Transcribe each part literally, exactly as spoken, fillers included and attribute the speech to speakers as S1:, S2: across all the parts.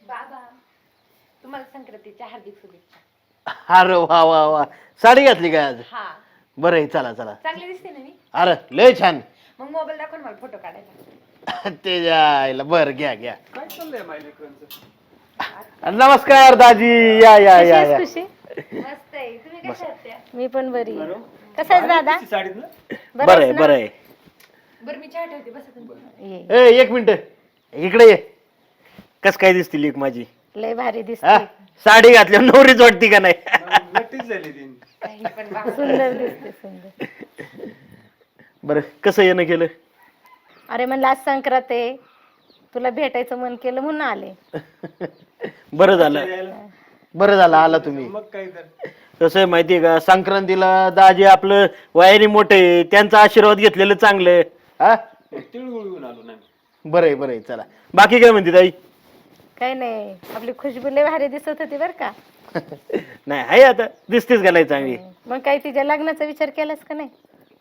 S1: बाबा तुम्हाला संक्रांतीच्या हार्दिक शुभेच्छा.
S2: अरे वा वा वा साडी घातली काय आज?
S1: हा
S2: बरं आहे चला चला.
S1: चांगली दिसते ना मी.
S2: अरे लय छान.
S1: मग मोबाईल दाखव ना मला फोटो काढायला.
S2: ते जायला बरं घ्या घ्या.
S3: काय चाललंय मायलेकरांचं?
S2: नमस्कार दाजी या या या या.
S4: खुशी
S1: मस्त आहे. तुम्ही कशा आहात त्या?
S4: मी पण बरी आहे. कसं आहेस दादा?
S3: साडीत ना
S2: बरं आहे बरं आहे.
S1: बरं मी चहा ठेवते बसा तुम्ही.
S4: ये.
S2: ए एक मिनिट इकडे ये. कस काय दिसती लेक माझी?
S4: लय भारी
S2: हा?
S4: दिसते.
S2: साडी घातल्यावर नवरीच वाटती का नाही?
S3: नक्कीच झाली ती.
S1: काही पण बाबा.
S4: सुंदर दिसते सुंदर.
S2: बरं कसं येणं केलं?
S4: अरे म्हणलं आज संक्रांत आहे, तुला भेटायचं मन केलं म्हणून आले.
S2: बरं झालं बरं झालं आला तुम्ही.
S3: मग काय तर
S2: कसं आहे माहितीये का संक्रांतीला दाजी आपलं वयाने मोठे त्यांचा आशीर्वाद घेतलेलं चांगलं. हा
S3: तिळगुळ घेऊन आलो ना.
S2: बरं आहे बरं आहे चला. बाकी काय म्हणते ताई?
S4: काही नाही, आपली खुशबू लय भारी दिसत होती बर का.
S2: नाही आहे आता दिसतेच का नाही चांगली?
S4: मग काही तिच्या लग्नाचा विचार केलास का नाही?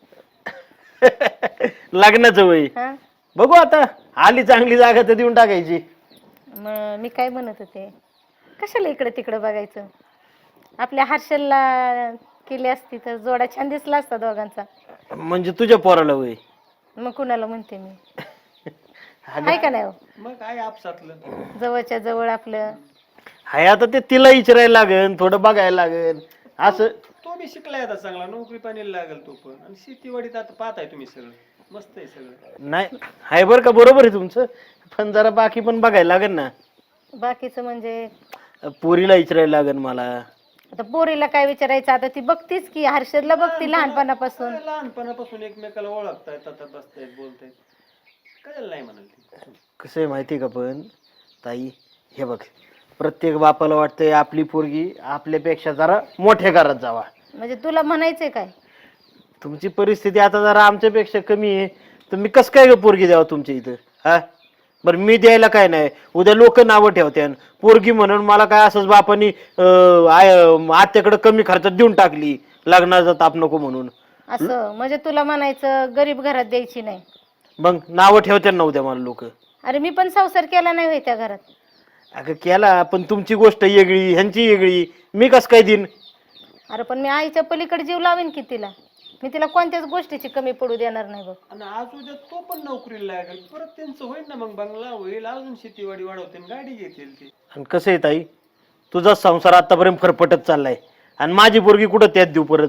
S2: लग्नाचं वय
S4: हा
S2: बघू आता आली चांगली जागा तर देऊन टाकायची.
S4: मग मी काय म्हणत होते, कशाला इकडे तिकडे बघायचं, आपल्या हर्षलला केली असती तर जोडा छान दिसला असता दोघांचा.
S2: म्हणजे तुझ्या पोराला वय?
S4: मग कुणाला म्हणते मी, आहे का नाही हो?
S3: मग काय आपसातलं
S4: जवळच्या जवळ आपलं.
S2: हाय आता ते तिला विचारायला लागेल थोडं बघायला लागेल असं.
S3: तो बी शिकलाय आता चांगला, नोकरी पाणी लागेल तो पण. आणि शेतीवाडीत आता पाहताय तुम्ही सगळं मस्त आहे सगळं.
S2: नाही हाय बरं का बरोबर आहे तुमचं, पण जरा बाकी पण बघायला लागेल ना.
S4: बाकीचं म्हणजे
S2: पोरीला विचारायला लागेल मला.
S4: आता पोरीला काय विचारायचं, आता ती बघतीच की, हर्षदला बघती लहानपणापासून.
S3: लहानपणापासून एकमेकाला ओळखतायत, आता बसतायत बोलतायत, कळलं नाही म्हणाल ती.
S2: कसं आहे माहिती आहे का पण ताई, हे बघ प्रत्येक बापाला वाटतंय आपली पोरगी आपल्यापेक्षा जरा मोठ्या घरात जावा.
S4: म्हणजे तुला म्हणायचंय काय?
S2: तुमची परिस्थिती आता जरा आमच्यापेक्षा कमी आहे, तर मी कसं काय ग पोरगी द्यावं तुमच्या इथं? हा बरं मी द्यायला काय नाही, उद्या लोक नावं ठेवत्यान पोरगी म्हणून मला काय असंच बापानी आत्याकडे कमी खर्चात देऊन टाकली लग्नाचा ताप नको म्हणून.
S4: असं म्हणजे तुला म्हणायचं गरीब घरात द्यायची नाही.
S2: मग नावं ठेवत्यान ना उद्या मला लोक.
S4: अरे मी पण संसार केला नाही होय त्या घरात.
S2: अगं केला, पण तुमची गोष्ट वेगळी ह्यांची वेगळी, मी कसं काय देईन?
S4: अरे पण मी आईच्या पलीकडे जीव लावेन की तिला, मी तिला कोणत्याच गोष्टीची कमी पडू देणार नाही बघ.
S3: आणि आज उद्या तो पण नोकरीला लागेल, परत त्यांचं होईल ना, मग बंगला होईल, अजून शेतीवाडी वाढवतील, गाडी घेतील ते.
S2: आणि कसं आहे ताई, तुझा संसार आतापर्यंत फरफटत चाललाय आणि माझी पोरगी कुठं त्यात देऊ परत?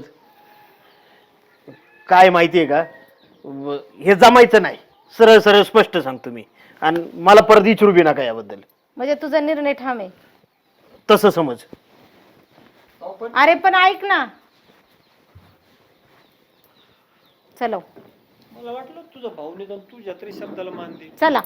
S2: काय माहितीये का, व- हे जमायचं नाही, सरळ सरळ स्पष्ट सांगतो मी. आणि मला परत विचारू बी नका याबद्दल.
S4: म्हणजे तुझा निर्णय ठाम आहे?
S2: तसं समज.
S3: अहो, पण
S4: अरे पण ऐक ना, चलो
S3: मला वाटलं तुझा भाऊ निदान तुझ्या तरी शब्दाला मान दे.
S4: चला.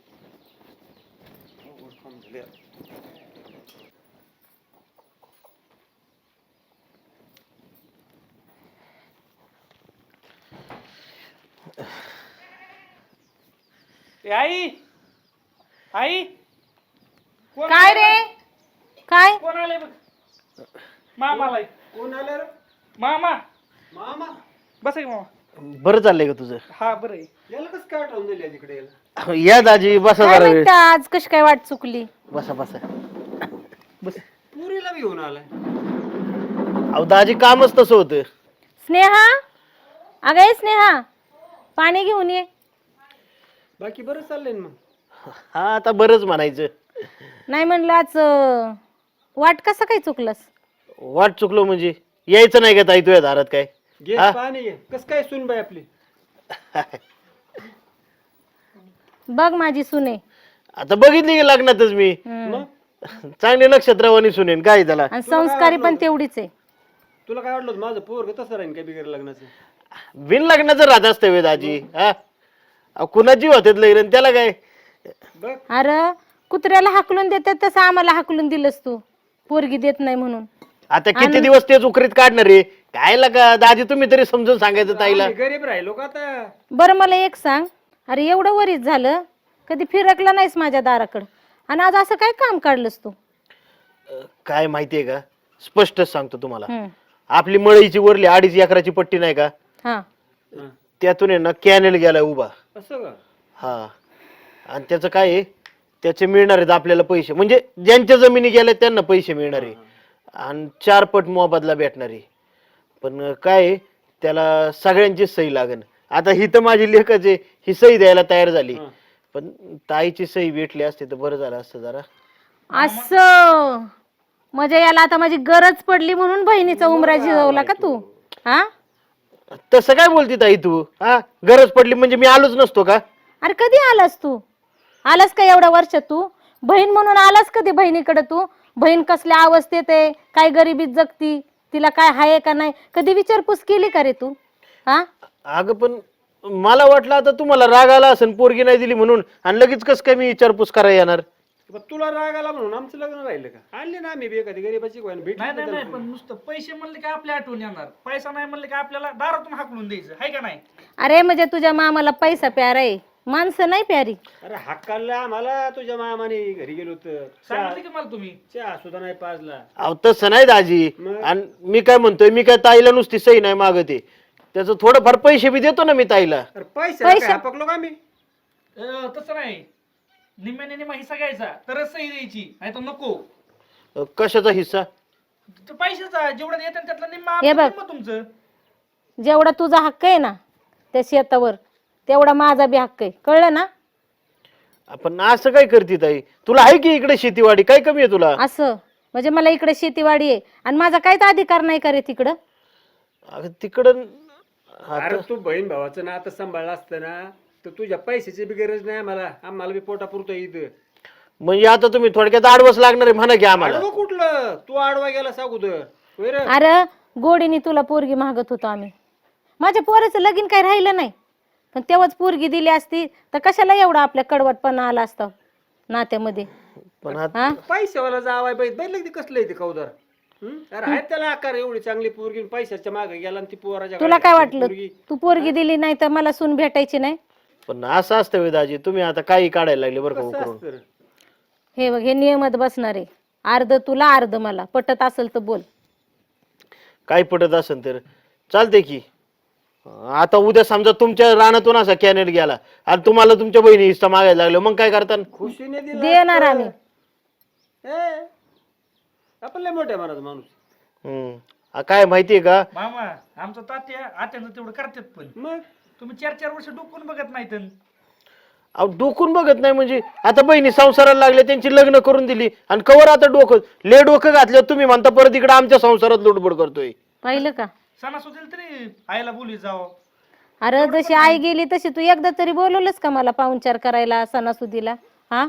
S3: ए, आई आई कोण
S4: काय रे काय?
S3: कोण आले बघ? मामा आलाय. कोण आलं रे? मामा. मामा बस की मामा.
S2: बरं चाललंय का तुझं?
S3: हा बरं आहे. याला कसं काय आठवण दिली तिकडे याला?
S2: या दाजी बसा
S4: काय
S2: जरा वेळ.
S4: म्हणता, आज कशी काय वाट चुकली?
S2: बसा बसा.
S3: पुरीला बी घेऊन आलाय.
S2: अहो दाजी कामच तसं होतं.
S4: स्नेहा, अगं ये स्नेहा, पाणी घेऊन ये.
S3: बाकी बरं चाललंय ना मग?
S2: हा आता बरंच म्हणायचं.
S4: नाही म्हणलं आज अं, वाट कसं काय चुकलंस?
S2: वाट चुकलो म्हणजे यायचं नाही का ताई तुझ्या दारात काय?
S3: घे
S2: हा?
S3: पाणी घे. कस काय सुन बाई आपली?
S4: बघ माझी सुने.
S2: आता बघितली की लग्नातच मी
S4: हम्म.
S3: मग
S2: चांगले नक्षत्रवाणी सुनेन काय त्याला.
S4: आणि संस्कारी पण तेवढीच आहे.
S3: तुला काय वाटलं होतं माझं पोरग तसं राहीन काय बिगर लग्नाचं?
S2: बिन लग्नाचं राहत असतं वे दाजी. हा अहो, कुणाची होते लग्न त्याला काय?
S3: बघ
S4: अरे कुत्र्याला हाकलून देतात तसं आम्हाला हाकलून दिलंस तू, पोरगी देत नाही म्हणून.
S2: आता किती दिवस तेच उकरीत काढणार रे काय लका दाजी, तुम्ही तरी समजून सांगायचं ताईला.
S3: आम्ही गरीब राहिलो का आता?
S4: बरं मला एक सांग, अरे एवढं वरीच झालं, कधी फिरकला नाहीस माझ्या दाराकडं, आणि आज असं काय काम काढलंस तू?
S2: काय माहितीये का, स्पष्ट सांगतो तुम्हाला.
S4: हम्म.
S2: आपली मळईची वरली अडीच एकराची पट्टी नाही का,
S4: हा
S3: हं.
S2: त्यातून आहे ना कॅनेल गेला उभा.
S3: असं का?
S2: हा आणि त्याचं काय आहे, त्याचे मिळणार आहेत आपल्याला पैसे, म्हणजे ज्यांच्या जमिनी गेल्या त्यांना पैसे मिळणार आहे आणि चार पट मोबदला भेटणार आहे. पण काय आहे, त्याला सगळ्यांची सही लागेल. आता ही तर माझी लेखच आहे, ही सही द्यायला तयार झाली, पण ताईची सही भेटली असते तर बरं झालं असतं जरा.
S4: असं म्हणजे याला आता माझी गरज पडली म्हणून बहिणीचा उमरा झिजवला का तू? हा
S2: तसं काय बोलती ताई तू? हा, गरज पडली म्हणजे मी आलोच नसतो का?
S4: अरे कधी आलास तू? आलास का एवढ्या वर्षात तू? बहीण म्हणून आलास कधी बहिणीकडे तू? बहीण कसल्या अवस्थेत आहे, काय गरिबीत जगती, तिला काय हाय का नाही, कधी विचारपूस केली का रे तू? हा
S2: अगं पण मला वाटलं आता तुम्हाला राग आला असेल पोरगी नाही दिली म्हणून, आणि लगेच कस काय मी विचारपूस करायला येणार?
S5: पण तुला राग आला म्हणून आमचं लग्न राहिलं का? आणले ना आम्ही बी एखादी गरीबाची भेट.
S3: नाही नाही नाही, पण नुसतं पैसे म्हणले की आपल्या आठवण येणार, पैसा नाही म्हणले की आपल्याला दारातून हाकलून द्यायचं, आहे का नाही?
S4: अरे म्हणजे तुझ्या मामाला पैसा प्यारा आहे, माणसं नाही प्यारी.
S5: अरे हक्काला आम्हाला तुझ्या मामाने घरी गेलो होतं,
S3: सांगितलं की मला तुम्ही.
S5: चहा सुद्धा नाही पाजला.
S2: अहो तसं नाही दाजी.
S5: मग?
S2: आणि मी काय म्हणतोय, मी काय ताईला नुसती सही नाही मागते, त्याचं थोडंफार पैसे बी देतो ना मी ताईला.
S5: अरे पैसे
S4: पैसे-
S5: काय पकलो का आम्ही?
S3: अं, तसं नाही, निम्म्याने निम्मा हिस्सा घ्यायचा तरच सही द्यायची, नाही तर नको.
S2: अ, कशाचा हिस्सा?
S3: तर पैशाचा जेवढा येतात त्यातला निम्मा
S4: हे
S3: आपलं,
S4: बघ.
S3: निम्मा तुमचं.
S4: जेवढा तुझा हक्क आहे ना त्या शेतावर, तेवढा माझा बी हक्क आहे, कळलं ना?
S2: आपण असं काय करते ताई? तुला आहे की इकडे शेतीवाडी, काय कमी आहे तुला?
S4: असं म्हणजे मला इकडे शेतीवाडी आहे आणि माझा काहीच अधिकार नाही का रे तिकडं?
S2: अगं तिकडं
S5: अरे तू बहीण भावाचं ना आता सांभाळलं असतं ना तर तुझ्या पैशाची बी गरज नाही आम्हाला, आम्हाला बी पोटा पुरतो इथं.
S2: म्हणजे आता तुम्ही थोडक्यात आडवस लागणार आहे म्हणा की आम्हाला.
S5: आडवं कुठलं? तू आडवा गेला सांगू तर होय रे?
S4: अरे गोडीने तुला पोरगी मागत होतो आम्ही, माझ्या पोराचं लगीन काही राहिलं नाही, पण तेव्हाच पोरगी दिली असती तर कशाला एवढा आपल्या कडवटपणा आला असता नात्यामध्ये?
S2: पण आता
S4: हा
S5: पैशावाला जावाय बाई बैल ते कसलं आहे ते कौदार. हं? अरे आहेत त्याला आकार, एवढी चांगली पोरगी पैशाच्या मागे गेला आणि ती पोराच्या
S4: तुला काय
S5: गळ्यात
S4: वाटलं
S5: पोरगी.
S4: तू पोरगी दिली नाही तर मला सून भेटायची नाही?
S2: पण असं असतं वे दाजी, तुम्ही आता काही काढायला लागले बरं का
S5: कसं
S2: करून.
S5: असतं रे?
S4: हे बघ, हे नियमात बसणार आहे, अर्ध तुला अर्ध मला, पटत असेल तर बोल.
S2: काय पटत असेल तर चालते की. आता उद्या समजा तुमच्या रानातून असा कॅनेट गेला आणि तुम्हाला तुमच्या बहिणी हिस्सा मागायला लागलो, मग काय करता?
S5: खुशीने दिलं
S4: देणार
S5: असतं.
S4: आम्ही.
S5: ए, आपण लय मोठ्या मनाचा माणूस.
S2: हम्म आ, काय माहितीये का,
S3: मामा आमचं तात्या आत्यांचं तेवढं करतात, पण
S5: मग
S3: तुम्ही चार चार वर्ष डोकून बघत नाहीत.
S2: अहो डोकून बघत नाही म्हणजे आता बहिणी संसाराला लागल्या, त्यांची लग्न करून दिली आणि कवर आता डोकं ले डोकं घातलं तुम्ही म्हणता परत इकडे आमच्या संसारात लुडबुड करतोय.
S4: पाहिलं का?
S3: सणासुदीला तरी आईला बोली जावं.
S4: अरे जशी आई गेली तशी तू एकदा तरी बोलवलंस का मला पाहुणचार करायला सणासुदीला? हा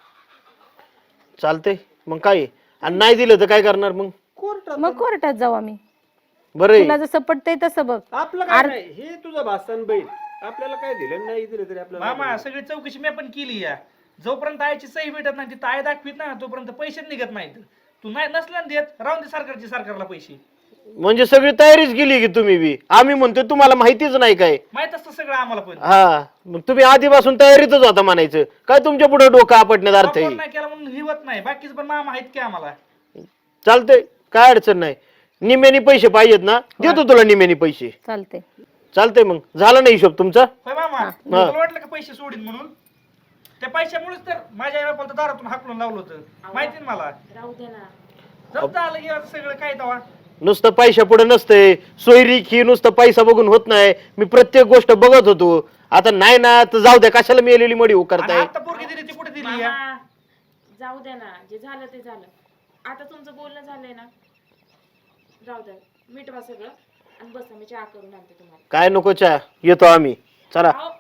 S2: चालतंय मग काय आहे? आणि नाही दिलं तर काय करणार मग?
S5: कोर्टात
S4: मग कोर्टात जाऊ आम्ही,
S2: बरं आहे.
S4: तुला जसं पटतंय तसं बघ.
S5: आपलं काय नाही, हे तुझं भाषण बैल आपल्याला काय दिलं नाही दिलं तरी आपल्याला
S3: मामा सगळी चौकशी मी पण केली या, जोपर्यंत आईची सही भेटत नाही तिथं आई दाखवीत ना तोपर्यंत पैसे निघत नाहीत. तू नाही नसल्या देत राहून दे सरकारची सरकारला पैसे.
S2: म्हणजे सगळी तयारीच केली की तुम्ही बी? आम्ही म्हणतोय तुम्हाला माहितीच नाही काय?
S3: माहित असतं सगळं आम्हाला पण.
S2: हा मग तुम्ही आधीपासून तयारीतच होता म्हणायचं. काय तुमच्या पुढे डोकं आपटण्यात अर्थ
S3: वापर
S2: आहे?
S3: नाही केला म्हणून हिवत नाही, बाकीच पण मामा आहेत की आम्हाला.
S2: चालतंय, काय अडचण नाही. निम्यानी पैसे पाहिजेत ना, देतो तुला निम्यानी पैसे.
S4: चालते.
S2: चालतंय मग, झाला ना हिशोब तुमचा?
S3: होय मामा, तुला वाटलं का पैसे सोडीन म्हणून? त्या पैशामुळेच तर माझ्या आई बापाला दारातून हाकलून लावलं होतं, माहिती ना मला.
S1: राहू दे ना.
S3: जप्त आलं की आता सगळं काय तवा.
S2: नुसतं पैशा पुढे नसतंय, सोयरीक ही नुसतं पैसा बघून होत नाही. मी प्रत्येक गोष्ट बघत होतो. आता नाही ना तर जाऊ द्या, कशाला मी एलेली मडी
S3: आणि
S2: करताय?
S3: आता पोरगी दिली ती कुठे दिली या?
S1: मामा, जाऊ दे ना, जे झालं ते झालं. आता तुमचं बोलणं झालंय ना, राहू द्या, मिटवा सगळं आणि बसा, मी चहा करून आणते तुम्हाला.
S2: काय नको चहा, येतो आम्ही. चला,
S1: अहो,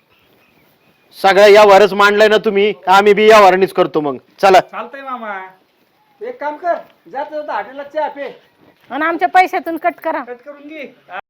S2: सगळ्या यावरच मांडलाय ना तुम्ही, आम्ही बी यावरणीच करतो मग. चला.
S3: चालतंय मामा,
S5: एक काम कर, जात जाता हॉटेलला चहा पे.
S4: आणि आमच्या पैशातून कट करा.
S3: कट करून घे.